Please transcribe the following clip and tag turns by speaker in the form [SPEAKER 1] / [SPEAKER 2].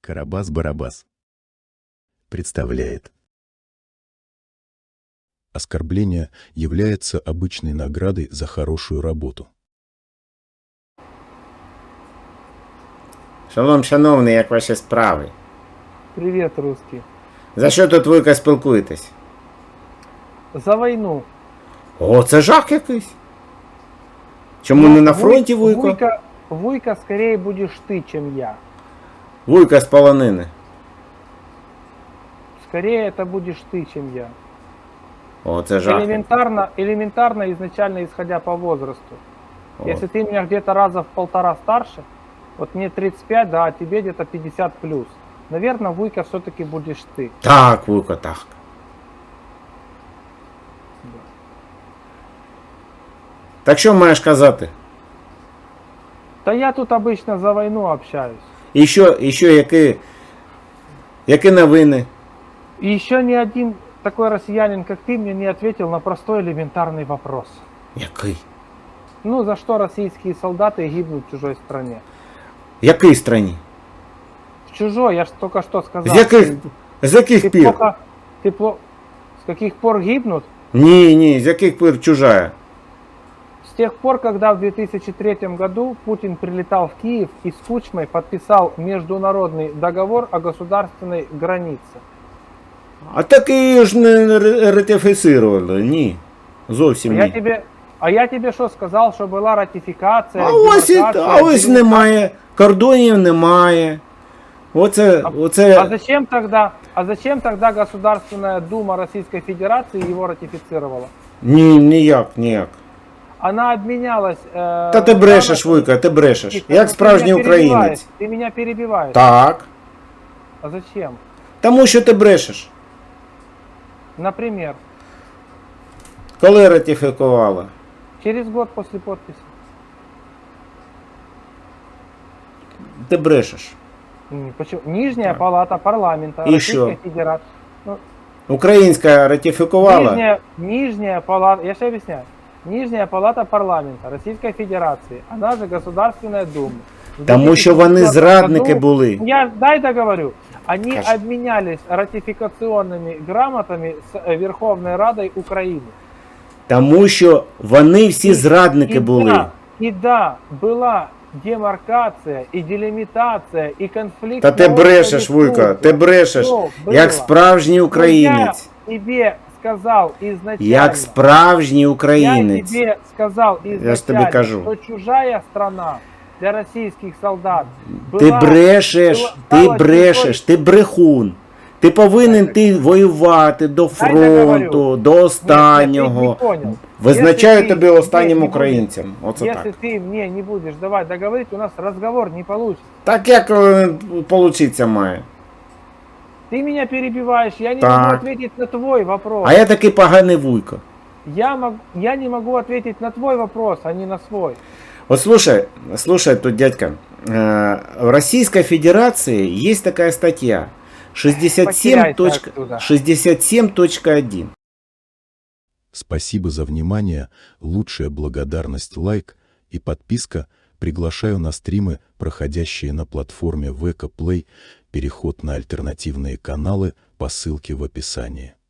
[SPEAKER 1] Карабас-Барабас представляет. Оскорбление является обычной наградой за хорошую работу.
[SPEAKER 2] Шалом, шановний, як ваші справи?
[SPEAKER 3] Привет, русский.
[SPEAKER 2] За що тут вуйка спілкуєтесь?
[SPEAKER 3] За войну.
[SPEAKER 2] О, це жах якийсь. Чому не на фронті вуйко?
[SPEAKER 3] Вуйка скорее будешь ты, чем я.
[SPEAKER 2] Вуйка з полонини.
[SPEAKER 3] Скорее это будешь ты, чем я.
[SPEAKER 2] О, це жах.
[SPEAKER 3] Элементарно изначально исходя по возрасту.
[SPEAKER 2] О.
[SPEAKER 3] Если ты меня где-то раза в 1,5 старше, вот мне 35, да, а тебе где-то 50 плюс. Наверное, Вуйка все-таки будешь ты.
[SPEAKER 2] Так, вуйко, так. Так що маєш казати?
[SPEAKER 3] Да я тут обычно за войну общаюсь.
[SPEAKER 2] І що які новини?
[SPEAKER 3] И еще ни один такой россиянин, как ты, мне не ответил на простой элементарный вопрос.
[SPEAKER 2] Який?
[SPEAKER 3] Ну, за что российские солдаты гибнут в чужой стране?
[SPEAKER 2] В якій страні?
[SPEAKER 3] В чужой, я же только что сказал.
[SPEAKER 2] З яких пір?
[SPEAKER 3] С каких пор гибнут?
[SPEAKER 2] Ні, з яких пір чужая?
[SPEAKER 3] С тех пор, когда в 2003 году Путин прилетал в Киев и с Кучмой подписал международный договор о государственной границе.
[SPEAKER 2] А так її ж не ратифицировали, ні. Зовсім ні.
[SPEAKER 3] А я тебе що сказав, що була ратифікація,
[SPEAKER 2] А ось немає, кордонів немає.
[SPEAKER 3] А зачем тогда Государственная Дума Российской Федерации его ратифицировала?
[SPEAKER 2] Ніяк.
[SPEAKER 3] Она обменялась...
[SPEAKER 2] Та ти брешеш, Вуйка, ти брешеш. Як справжній українець.
[SPEAKER 3] Ты меня перебиваешь.
[SPEAKER 2] Так.
[SPEAKER 3] А зачем?
[SPEAKER 2] Тому що ти брешеш.
[SPEAKER 3] Например?
[SPEAKER 2] Коли ратифікувала?
[SPEAKER 3] Через год после подписи.
[SPEAKER 2] Ти брешеш.
[SPEAKER 3] Почему? Нижняя палата парламента
[SPEAKER 2] И
[SPEAKER 3] Российской Федерации.
[SPEAKER 2] Українська ратифікувала?
[SPEAKER 3] Нижняя палата, я же объясняю. Нижняя палата парламента Российской Федерации, она же Государственная Дума.
[SPEAKER 2] Тому що вони зрадники були.
[SPEAKER 3] Дай договорю. Они обменялись ратификационными грамотами с Верховной Радой Украины.
[SPEAKER 2] Тому що вони всі зрадники були.
[SPEAKER 3] Да, была демаркация и делимитация и конфликт.
[SPEAKER 2] Та ти брешеш, Вуйка, ти брешеш, як справжній українець.
[SPEAKER 3] Я тебе сказал изначально.
[SPEAKER 2] Як справжній українець.
[SPEAKER 3] Я тебе сказал
[SPEAKER 2] Я ж тобі кажу.
[SPEAKER 3] что чужая страна для российских солдат
[SPEAKER 2] Ти брешеш, ти брехун. Ти повинен воювати до фронту, до останнього. Визначаю тебе останнім українцем. Оце так.
[SPEAKER 3] Если ты мне не будешь давать договорить, у нас разговор не получится.
[SPEAKER 2] Так як получиться має?
[SPEAKER 3] Ты меня перебиваешь, я не могу ответить на твой вопрос.
[SPEAKER 2] А я такий поганий Вуйко.
[SPEAKER 3] Я не могу ответить на твой вопрос, а не на свой.
[SPEAKER 2] Вот слушай тут, дядька. В Российской Федерации есть такая статья 67.1.
[SPEAKER 1] Спасибо за внимание, лучшая благодарность лайк и подписка. Приглашаю на стримы, проходящие на платформе VK Play, переход на альтернативные каналы по ссылке в описании.